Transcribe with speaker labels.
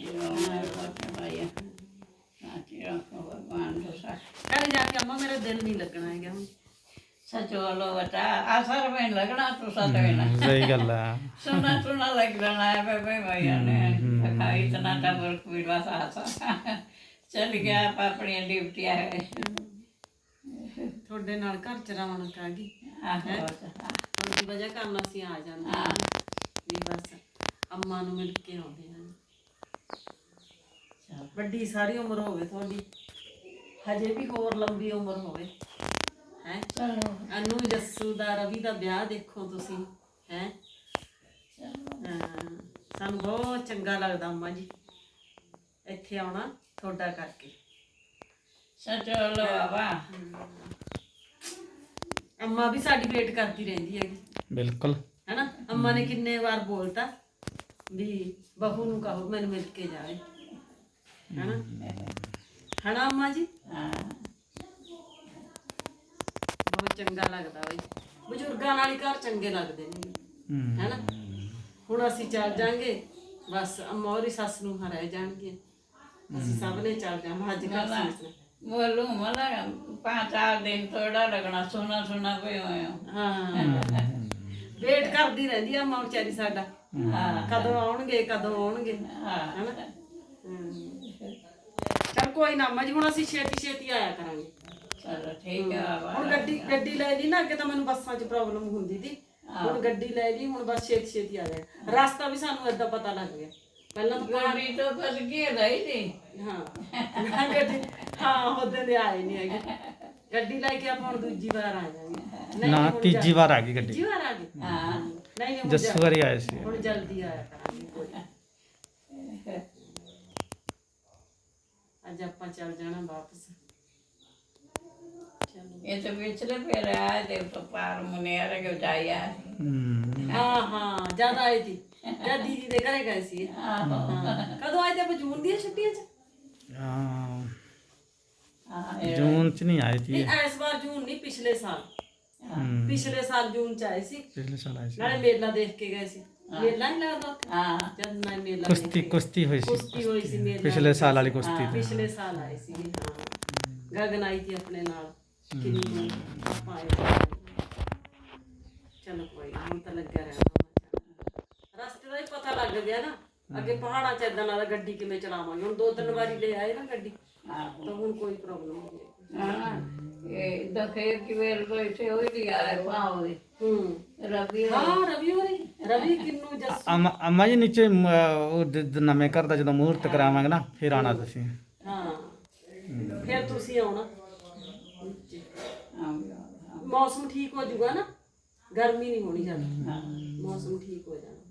Speaker 1: भगवान
Speaker 2: कल जाके अम्मा मेरा दिल नहीं लगना है हम
Speaker 1: सचो लो बता असर में लगना तो सच में
Speaker 3: सही गल है
Speaker 1: सुना सुना लग जाना है भाई भैया ने खाई इतना टबर पीड़ा सा चल गया आप अपनी ड्यूटियां है
Speaker 2: थोड़े नाल घर च रौनक आ गई उनकी वजह कारण ਅਸੀਂ ਆ ਜਾਂਦੇ ਹਾਂ ਵੀ ਬਸ ਅੰਮਾ ਨੂੰ ਮਿਲ ਕੇ ਆਉਂਦੇ ਹਾਂ ਵੱਡੀ ਸਾਰੀ ਉਮਰ ਹੋਵੇ ਤੁਹਾਡੀ ਹਜੇ ਵੀ ਹੋਰ ਲੰਬੀ ਉਮਰ ਹੋਵੇ ਹੈ ਅਨੂ ਜੱਸੂ ਦਾ ਰਵੀ ਦਾ ਵਿਆਹ ਦੇਖੋ ਤੁਸੀਂ ਹੈ ਸਾਨੂੰ ਬਹੁਤ ਚੰਗਾ ਲੱਗਦਾ ਅੰਮਾ ਜੀ ਇੱਥੇ ਆਉਣਾ ਤੁਹਾਡਾ ਕਰਕੇ
Speaker 1: सचो लो बाबा
Speaker 2: ਅੰਮਾ ਵੀ ਸਾਡੀ ਵੇਟ ਕਰਦੀ ਰਹਿੰਦੀ ਹੈਗੀ
Speaker 3: बिल्कुल
Speaker 2: ਹੈਨਾ ਅੰਮਾ ਨੇ ਕਿੰਨੇ ਵਾਰ ਬੋਲਤਾ ਵੀ ਬਹੂ ਨੂੰ ਕਹੋ ਮੈਨੂੰ ਮਿਲ ਕੇ ਜਾਵੇ ਹੈਨਾ ਹੈਨਾ ਅੰਮਾ ਜੀ ਬਹੁਤ ਚੰਗਾ ਲੱਗਦਾ ਬਈ ਬਜ਼ੁਰਗਾਂ ਨਾਲ ਹੀ ਘਰ ਚੰਗੇ ਲੱਗਦੇ ਨੇ ਹੈਨਾ ਹੁਣ ਅਸੀਂ ਚੱਲ ਜਾਾਂਗੇ ਬਸ ਅੰਮਾ ਹੋਰੀ ਸੱਸ ਨੂੰ ਰਹਿ ਜਾਣਗੇ ਅਸੀਂ ਸਭ ਨੇ ਚੱਲ ਜਾਣਾ ਅੱਜ ਕੱਲ੍ਹ ਸੀ
Speaker 1: बोलू मतलब 5-4 दिन थोड़ा लगना सोना सोना पे
Speaker 2: ਹਾਂ ਵੇਟ ਕਰਦੀ ਰਹਿੰਦੀ ਆ ਅੰਮਾ ਵਿਚਾਰੀ ਸਾਡਾ ਕਦੋਂ ਆਉਣਗੇ ਹੈਨਾ ਚਲ ਕੋਈ ਨਾ ਅੰਮਾ ਜੀ ਹੁਣ ਅਸੀਂ ਛੇਤੀ ਆਇਆ ਕਰਾਂਗੇ
Speaker 1: चलो ठीक है बाबा
Speaker 2: ਹੁਣ ਗੱਡੀ ਲੈ ਲਈ ਨਾ ਅੱਗੇ ਤਾਂ ਮੈਨੂੰ ਬੱਸਾਂ 'ਚ ਪ੍ਰੋਬਲਮ ਹੁੰਦੀ ਸੀ ਹੁਣ ਗੱਡੀ ਲੈ ਲਈ ਹੁਣ ਬਸ ਛੇਤੀ ਆ ਜਾਏ ਰਸਤਾ ਵੀ ਸਾਨੂੰ ਏਦਾਂ ਪਤਾ ਲੱਗ ਗਿਆ ਪਹਿਲਾਂ ਤਾਂ
Speaker 1: गाड़ी तो फंस गई रही थी
Speaker 2: ਹਾਂ ਗੱਡੀ ਹਾਂ ਉਹਦੇ ਦੇ ਆਏ ਨਹੀਂ ਹੈਗੇ ਗੱਡੀ ਲੈ ਕੇ ਆਪਾਂ ਹੁਣ ਦੂਜੀ ਵਾਰ ਆ ਜਾਵਾਂਗੇ
Speaker 3: ना तीजी बार आ गई गड्डी
Speaker 2: ਤੀਜੀ ਵਾਰ ਆ ਗਏ ਨਹੀਂ ਹੁਣ
Speaker 3: जस्सू वारी आए सी
Speaker 2: ਹੁਣ ਜਲਦੀ ਆਇਆ ਕਰਾਂਗੇ ਕੋਈ ਅੱਜ ਆਪਾਂ ਚੱਲ ਜਾਣਾ ਵਾਪਸ
Speaker 1: ये तो पिछले पे रहा है देव तो पार मुनियर के जाया
Speaker 2: ਹਾਂ ਜ਼ਿਆਦਾ ਆਈ ਸੀ ਜਦ ਦੀਦੀ ਦੇ ਘਰੇ ਗਏ ਸੀ ਕਦੋਂ ਆਏ ਤੇ ਆਪਾਂ ਜੂਨ ਦੀਆਂ ਛੁੱਟੀਆਂ 'ਚ
Speaker 3: जून च नहीं आई थी
Speaker 2: ਨਹੀਂ ਇਸ ਵਾਰ ਜੂਨ ਨਹੀਂ ਪਿਛਲੇ ਸਾਲ ਜੂਨ 'ਚ ਆਏ ਸੀ
Speaker 3: पिछले साल आई
Speaker 2: ਨਾਲੇ ਮੇਲਾ ਦੇਖ ਕੇ ਗਏ ਸੀ ਮੇਲਾ ਨਹੀਂ ਲੱਗਦਾ ਉੱਥੇ ਜਦ ਮੈਂ ਮੇਲਾ
Speaker 3: कुश्ती हुई सी
Speaker 2: ਕੁਸ਼ਤੀ ਹੋਈ ਸੀ ਮੇਲਾ
Speaker 3: पिछले साल वाली कुश्ती थी
Speaker 2: ਪਿਛਲੇ ਸਾਲ ਆਏ ਸੀ ਗਗਨ ਆਈ ਸੀ ਆਪਣੇ ਨਾਲ ਕਿੰਨੀ ਆਪਾਂ ਆਏ ਚਲੋ ਕੋਈ ਨੀ, ਹੁਣ ਤਾਂ ਲੱਗਿਆ ਰਹਿਣਾ ਰਸਤੇ ਦਾ ਹੀ ਪਤਾ ਲੱਗ ਗਿਆ ਨਾ ਅੱਗੇ ਪਹਾੜਾਂ 'ਚ ਏਦਾਂ ਨਾਲ ਗੱਡੀ ਕਿਵੇਂ ਚਲਾਵਾਂਗੇ ਹੁਣ 2-3 ਵਾਰੀ ਲੈ ਆਏ ਨਾ ਗੱਡੀ ਤਾਂ ਹੁਣ ਕੋਈ ਪ੍ਰੋਬਲਮ ਨਹੀਂ
Speaker 1: ये दखेर की वेल बैठे हो लिया है पाओ रवि
Speaker 2: ਹਾਂ ਰਵੀ ਕਿੰਨੂ ਜੱਸੂ
Speaker 3: अम्मा जी नीचे नवे घर का जो मुहूर्त करावांगे ना फिर आना तुसीं
Speaker 2: ਹਾਂ ਫਿਰ ਤੁਸੀਂ ਆਉਣਾ मौसम ठीक हो जाऊगा ना गर्मी नहीं होनी ज्यादा मौसम ठीक हो जाना